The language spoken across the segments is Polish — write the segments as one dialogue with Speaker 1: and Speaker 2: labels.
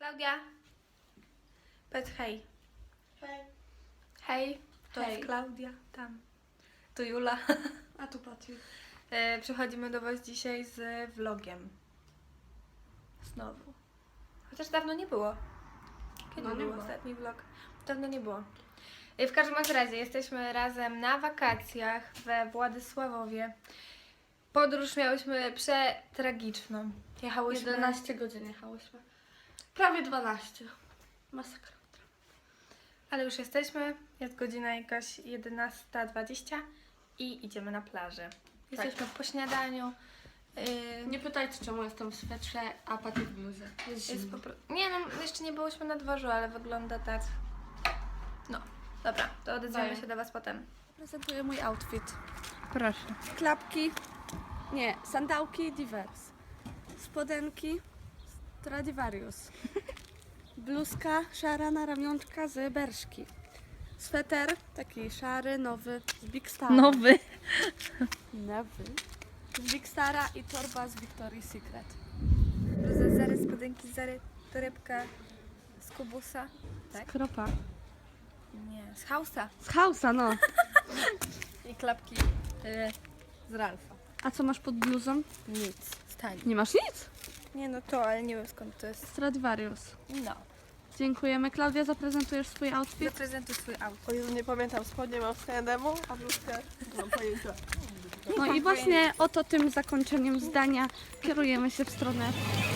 Speaker 1: Klaudia, powiedz hej.
Speaker 2: Hej.
Speaker 1: Hej, to
Speaker 2: Hej.
Speaker 1: jest Klaudia, tam. Tu Jula.
Speaker 2: A tu Patryk.
Speaker 1: Przychodzimy do Was dzisiaj z vlogiem. Znowu. Chociaż dawno nie było. Kiedy
Speaker 2: No, nie
Speaker 1: był
Speaker 2: było.
Speaker 1: ostatni vlog? Dawno nie było. W każdym razie jesteśmy razem na wakacjach we Władysławowie. Podróż miałyśmy przetragiczną. Jechałyśmy...
Speaker 2: 11 godzin jechałyśmy. Prawie 12. Masakra.
Speaker 1: Ale już jesteśmy. Jest godzina jakaś 11:20 i idziemy na plażę. Jesteśmy po śniadaniu.
Speaker 2: Nie pytajcie, czemu jestem w swetrze, a Patryk w bluzie.
Speaker 1: Jest Nie no, jeszcze nie byłyśmy na dworzu, ale wygląda tak. No, dobra, to odezwiemy
Speaker 2: Daję.
Speaker 1: się do Was potem.
Speaker 2: Prezentuję mój outfit.
Speaker 1: Proszę.
Speaker 2: Klapki, nie, sandałki Divers. Spodenki Stradivarius. Bluzka szara na ramionczka z Berszki. Sweter taki szary, nowy, z Big Stara.
Speaker 1: Nowy.
Speaker 2: Nowy. Z Big Stara i torba z Victoria's Secret.
Speaker 1: Bluza z Zary, spodenki z Zary, torebka z Kubusa. Tak?
Speaker 2: Kropa.
Speaker 1: Nie, z Hausa.
Speaker 2: Z Hausa, no.
Speaker 1: I klapki z Ralfa.
Speaker 2: A co masz pod bluzą?
Speaker 1: Nic, stań.
Speaker 2: Nie masz nic?
Speaker 1: Nie no to, ale nie wiem skąd to jest.
Speaker 2: Stradivarius.
Speaker 1: No.
Speaker 2: Dziękujemy. Klaudia, zaprezentujesz swój outfit?
Speaker 1: Zaprezentuj swój auto.
Speaker 3: O Jezu, nie pamiętam, spodnie mam z H&M-u, a bluzkę nie mam pojęcia.
Speaker 2: No i właśnie oto tym zakończeniem zdania kierujemy się w stronę.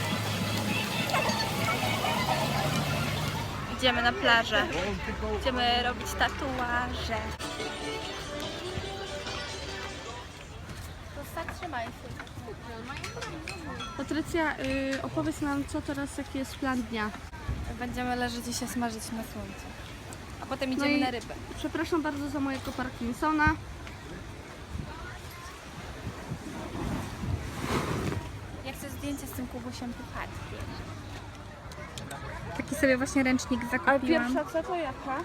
Speaker 1: Idziemy na plażę. Idziemy robić tatuaże. Trzymaj się.
Speaker 2: Patrycja, opowiedz nam, co teraz, jaki jest plan dnia.
Speaker 1: Będziemy leżeć i się smażyć na słońcu. A potem
Speaker 2: No
Speaker 1: idziemy
Speaker 2: i
Speaker 1: na rybę.
Speaker 2: przepraszam bardzo za mojego Parkinsona.
Speaker 1: Ja chcę zdjęcie z tym Kubusiem Puchatkiem. Taki sobie właśnie ręcznik zakupiłam.
Speaker 2: co to jaka?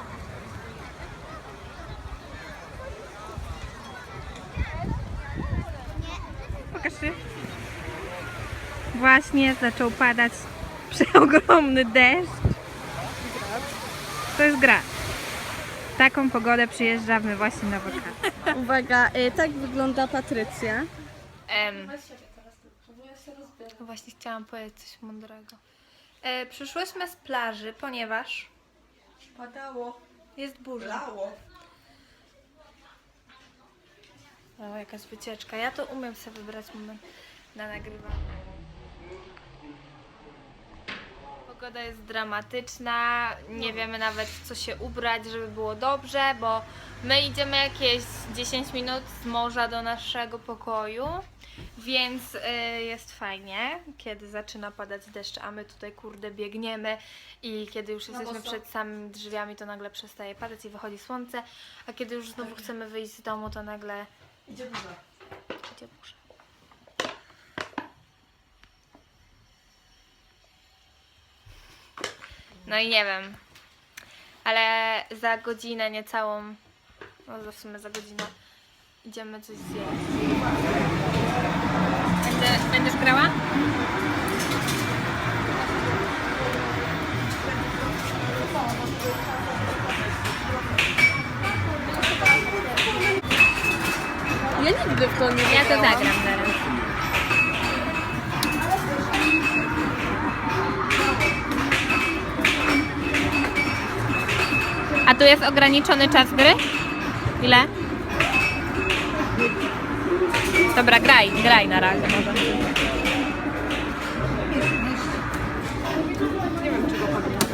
Speaker 1: Pokaż się. Właśnie zaczął padać przeogromny deszcz. To jest gra. W taką pogodę przyjeżdżamy właśnie na wakacje.
Speaker 2: Uwaga, tak wygląda Patrycja.
Speaker 1: Właśnie chciałam powiedzieć coś mądrego. Przyszłyśmy z plaży, ponieważ
Speaker 3: Padało,
Speaker 1: jest burza.
Speaker 3: lało.
Speaker 1: O, jakaś wycieczka. Ja to umiem sobie wybrać moment na nagrywanie. Pogoda jest dramatyczna, nie wiemy nawet w co się ubrać, żeby było dobrze, bo my idziemy jakieś 10 minut z morza do naszego pokoju, więc jest fajnie, kiedy zaczyna padać deszcz, a my tutaj kurde biegniemy i kiedy już jesteśmy przed samymi drzwiami, to nagle przestaje padać i wychodzi słońce, a kiedy już znowu chcemy wyjść z domu, to nagle
Speaker 3: Idzie burza.
Speaker 1: idzie burza. No i nie wiem, ale za godzinę niecałą, no w sumie za godzinę idziemy coś zjeść. Będziesz grała?
Speaker 2: Ja nigdy w to nie
Speaker 1: Ja to zagram zaraz. A tu jest ograniczony czas gry? Ile? Dobra, graj na razie może.
Speaker 3: Nie wiem, czego pamiętam.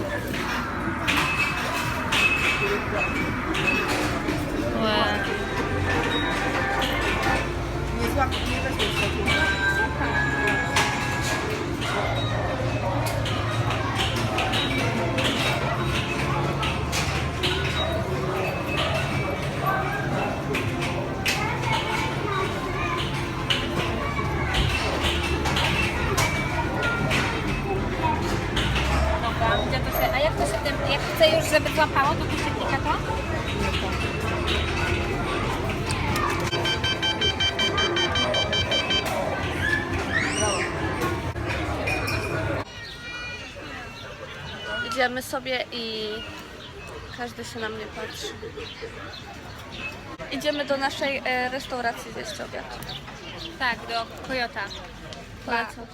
Speaker 3: Nie złap, nie weźmiesz takiego.
Speaker 1: Dobra, gdzie to się, a jak to się tym, jak chcę już, żeby złapało, to tu się klika to?
Speaker 2: idziemy sobie i każdy się na mnie patrzy. Idziemy do naszej restauracji zjeść obiad.
Speaker 1: Tak, do Kojota.
Speaker 2: Polecam.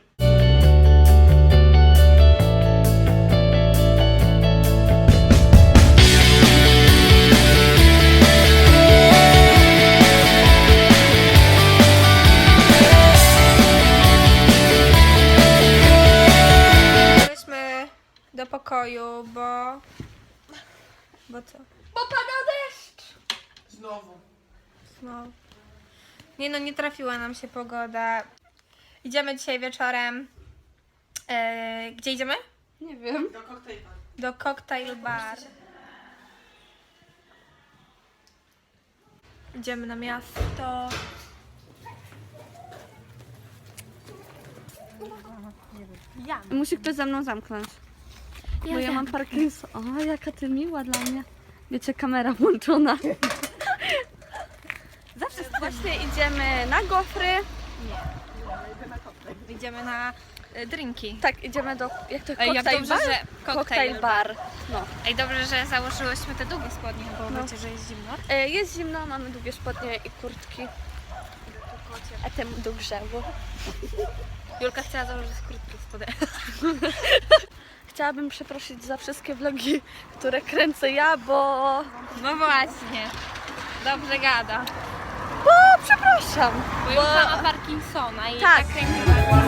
Speaker 1: Byliśmy do pokoju, bo... Bo co?
Speaker 2: Bo pada deszcz!
Speaker 3: Znowu.
Speaker 1: No. Nie no, nie trafiła nam się pogoda. Idziemy dzisiaj wieczorem. Gdzie idziemy?
Speaker 2: Nie wiem.
Speaker 3: Do koktajla.
Speaker 1: Do cocktail bar. Idziemy na miasto.
Speaker 2: Musi ktoś ze mną zamknąć. Bo ja mam Parkinson. O, jaka ty miła dla mnie. Wiecie, kamera włączona. Zawsze właśnie idziemy na gofry.
Speaker 1: Idziemy na drinki.
Speaker 2: Tak, idziemy do... Jak to?
Speaker 1: Ej, jak
Speaker 2: Cocktail
Speaker 1: dobrze,
Speaker 2: bar?
Speaker 1: że
Speaker 2: Cocktail bar. No.
Speaker 1: Ej, dobrze, że założyłyśmy te długie spodnie, bo
Speaker 2: No.
Speaker 1: wiecie, że jest zimno.
Speaker 2: Jest zimno, mamy długie spodnie i kurtki. A temu do grzebu.
Speaker 1: Julka chciała założyć krótkie spodnie.
Speaker 2: Chciałabym przeprosić za wszystkie vlogi, które kręcę ja, bo...
Speaker 1: No właśnie. Dobrze gada.
Speaker 2: Bo przepraszam.
Speaker 1: Bo Julka ma Parkinsona i
Speaker 2: Tak.
Speaker 1: tak kręciła.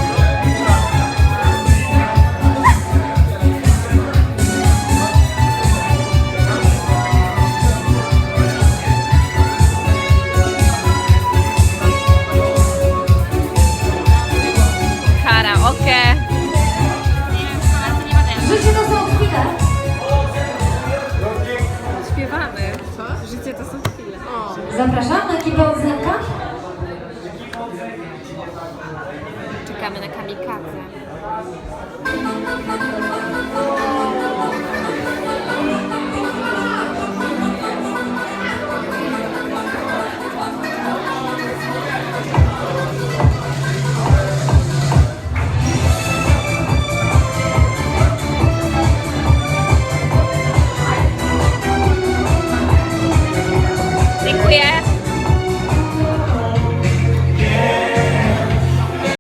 Speaker 1: Karaoke.
Speaker 4: Życie to są chwile.
Speaker 1: Śpiewamy. Życie to są chwile.
Speaker 4: Zapraszamy ekipę od Zenka.
Speaker 1: Czekamy na kamikadze.